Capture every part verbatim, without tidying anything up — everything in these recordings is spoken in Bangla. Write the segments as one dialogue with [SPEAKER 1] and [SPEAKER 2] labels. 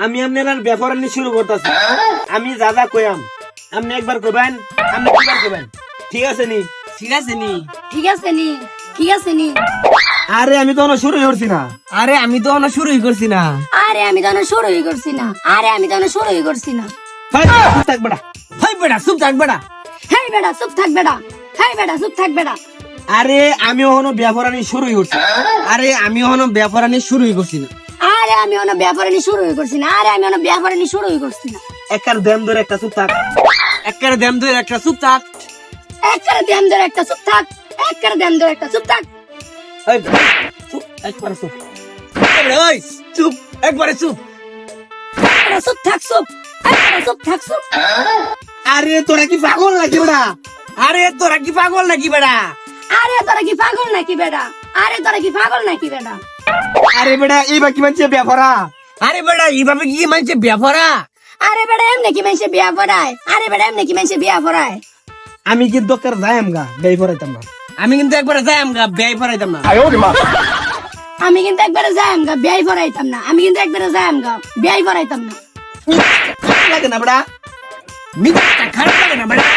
[SPEAKER 1] আমি আপনার ব্যাপার নিয়ে শুরু করতেছি। আমি যা যা কইয়াম আপনি একবার কইবেন, আপনি দুবার কইবেন, ঠিক আছে নি?
[SPEAKER 2] ঠিক আছে নি
[SPEAKER 3] ঠিক আছে নি ঠিক আছে নি
[SPEAKER 1] আরে আমি তো এখনো শুরুই করছি না।
[SPEAKER 2] আরে আমি তো এখনো শুরুই করছি না।
[SPEAKER 3] আরে আমি তো এখনো শুরুই করছি না আরে আমি তো এখনো শুরুই করছি না
[SPEAKER 1] ভাই চুপ থাক বেটা।
[SPEAKER 2] হাই বেটা চুপ থাক বেটা।
[SPEAKER 3] হেই বেটা চুপ থাক বেটা হেই বেটা চুপ থাক বেটা
[SPEAKER 1] আরে আমি এখনো ব্যাপার নিয়ে শুরুই করছি।
[SPEAKER 2] আরে আমি এখনো ব্যাপার নিয়ে শুরুই করছি না।
[SPEAKER 3] আরে আমি এখনো ব্যাপারে নিয়ে শুরুই করছি না আরে আমি এখনো ব্যাপারে নিয়ে শুরুই করছি না
[SPEAKER 1] একার দেম ধরে একটা চুপ থাক।
[SPEAKER 2] একবারে দেম ধরে একটা চুপ থাক।
[SPEAKER 3] একবারে দেম ধরে একটা চুপ থাক একবারে দেম ধরে একটা চুপ থাক
[SPEAKER 1] এই ভাই, চুপ, একবারে চুপ।
[SPEAKER 2] এবারে ওই চুপ একবারে চুপ।
[SPEAKER 3] একবারে চুপ থাক চুপ একবারে চুপ থাক চুপ
[SPEAKER 1] আরে তোরা কি পাগল নাকি বেটা?
[SPEAKER 2] আরে তোরা কি পাগল নাকি বেটা?
[SPEAKER 3] আরে তোরা কি পাগল নাকি বেটা আরে তোরা কি পাগল নাকি বেটা
[SPEAKER 1] আরে বেটা এই বাকি মানছে ব্যাপারা।
[SPEAKER 2] আরে বেটা এইভাবে কি মানছে ব্যাপারা?
[SPEAKER 3] আরে বেটা এমনি কি মানুষে বিয়া পড়ায় আরে বেটা এমনি কি মানুষে বিয়া পড়ায়
[SPEAKER 1] আমি কি দরকার যাই আমগা বেই পড়াইতাম না।
[SPEAKER 2] আমি কিন্তু একবারে যাই আমগা ব্যয় পড়াইতাম না।
[SPEAKER 3] আমি কিন্তু একবারে যাইম গা বিয়াই পড়াইতাম না আমি কিন্তু একবারে যাইম গা বিয়াই পড়াইতাম না
[SPEAKER 1] লাগে না বেটা?
[SPEAKER 2] মিজাজটা খারাপ লাগে না বেটা?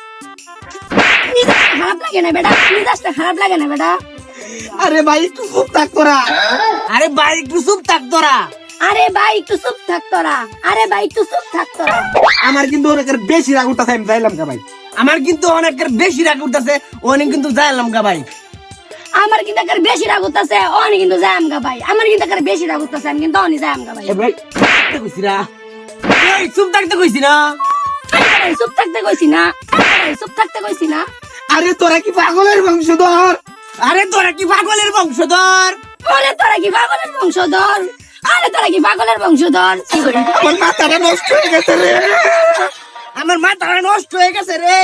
[SPEAKER 3] মিজাজটা খারাপ লাগে না বেটা মিজাজটা খারাপ লাগে না বেটা
[SPEAKER 1] আরে ভাই একটু চুপ থাক তোরা।
[SPEAKER 2] আরে ভাই একটু চুপ থাক তোরা।
[SPEAKER 3] আরে ভাই একটু চুপ থাক তোরা আরে ভাই একটু চুপ থাক তোরা
[SPEAKER 1] আমার কিন্তু অনেকের বেশি রাগ উঠতেছে, আমি যাইলাম গা ভাই।
[SPEAKER 2] আমার কিন্তু অনেকের বেশি রাগ উঠতেছে অনেক কিন্তু যাইলাম গা ভাই।
[SPEAKER 3] আমার কিন্তু একের বেশি রাগ উঠতেছে অনি কিন্তু যাইম গা ভাই আমার কিন্তু একের বেশি রাগ উঠতেছে আমি কিন্তু অনি যাইম গা ভাই
[SPEAKER 1] এ ভাই
[SPEAKER 2] থাকতে কইছি না। এই চুপ থাকতে কইছি না।
[SPEAKER 3] আরে ভাই চুপ থাকতে কইছি না আরে ভাই চুপ থাকতে কইছি না
[SPEAKER 1] আরে তোরা কি পাগলের বংশধর?
[SPEAKER 2] আরে তোরা কি পাগলের বংশধর?
[SPEAKER 3] আরে তোরা কি পাগলের বংশধর আরে তোরা কি পাগলের বংশধর
[SPEAKER 1] আমার মাথাটা নষ্ট হয়ে গেছে রে।
[SPEAKER 2] আমার মাথা নষ্ট হয়ে গেছে রে।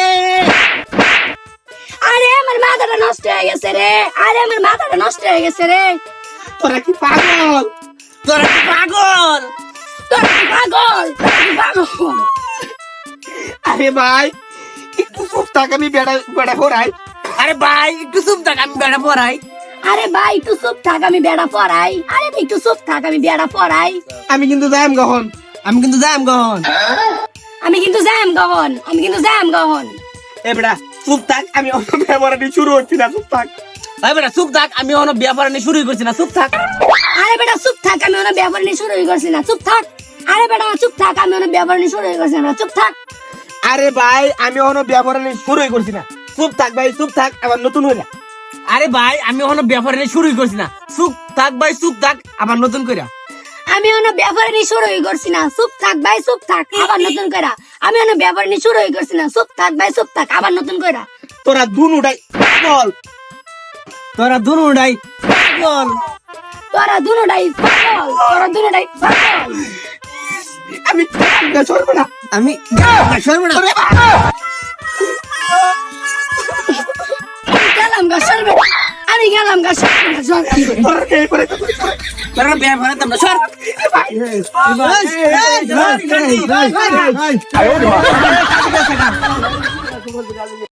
[SPEAKER 3] আরে আমার মাথাটা নষ্ট হয়ে গেছে রে আরে আমার মাথাটা নষ্ট হয়ে গেছে রে
[SPEAKER 1] তোরা কি পাগল?
[SPEAKER 2] তোরা কি পাগল?
[SPEAKER 3] তোরা কি পাগল তোরা কি পাগল
[SPEAKER 1] আরে ভাই একটু চুপ থাক, আমি বেড়া বেড়া পড়াই।
[SPEAKER 2] আরে ভাই একটু চুপ থাক আমি বেড়া পড়াই।
[SPEAKER 3] আরে ভাই একটু চুপ থাক আমি বেড়া পড়াই আরে ভাই একটু চুপ থাক আমি বেড়া পড়াই
[SPEAKER 1] আমি কিন্তু যাইম গহন।
[SPEAKER 2] আমি কিন্তু যাইম গহন।
[SPEAKER 3] আমি কিন্তু যাইম গহন আমি কিন্তু যাইম গহন
[SPEAKER 1] এ বেড়া চুপ থাক, আমি অন্য ব্যাপার নিয়ে শুরু হচ্ছি না, চুপ থাক।
[SPEAKER 2] ভাই বেটা চুপ থাক আমি অন্য ব্যাপার নিয়ে শুরুই করছি না। চুপ থাক।
[SPEAKER 3] আরে বেটা চুপ থাক আমি অনেক ব্যাপার নিয়ে শুরু করছি না চুপ থাক আরে বেটা চুপ থাক আমি অনেক ব্যাপার নিয়ে শুরু করছি না চুপ থাক
[SPEAKER 1] আরে ভাই আমি অন্য ব্যাপার নিয়ে শুরুই করছি না, চুপ থাক ভাই চুপ থাক, আবার নতুন হইলা।
[SPEAKER 2] আরে ভাই আমি অন্য ব্যাপার নিয়ে শুরুই করছি না। চুপ থাক ভাই চুপ থাক আবার নতুন কইরা।
[SPEAKER 3] আমি অনেক ব্যাপার নিয়ে শুরু করছি না চুপ থাক ভাই চুপ থাক আবার নতুন কইরা আমি অনেক ব্যাপার নিয়ে শুরু করছি না চুপ থাক ভাই চুপ থাক আবার নতুন কইরা
[SPEAKER 1] তোরা দুনুটাই পাগল।
[SPEAKER 2] তোরা দুনুটাই পাগল।
[SPEAKER 3] তোরা দুটাই পাগল তোরা দুটাই পাগল
[SPEAKER 1] আমি সরবো না।
[SPEAKER 2] আমি সরবো না।
[SPEAKER 3] আমি গেলাম গা সরবে আমি গেলাম গা সরবে
[SPEAKER 1] তোরা কে করে
[SPEAKER 2] তোরা ব্যাপার তোমরা সর।
[SPEAKER 1] ভাই ভাই ভাই ভাই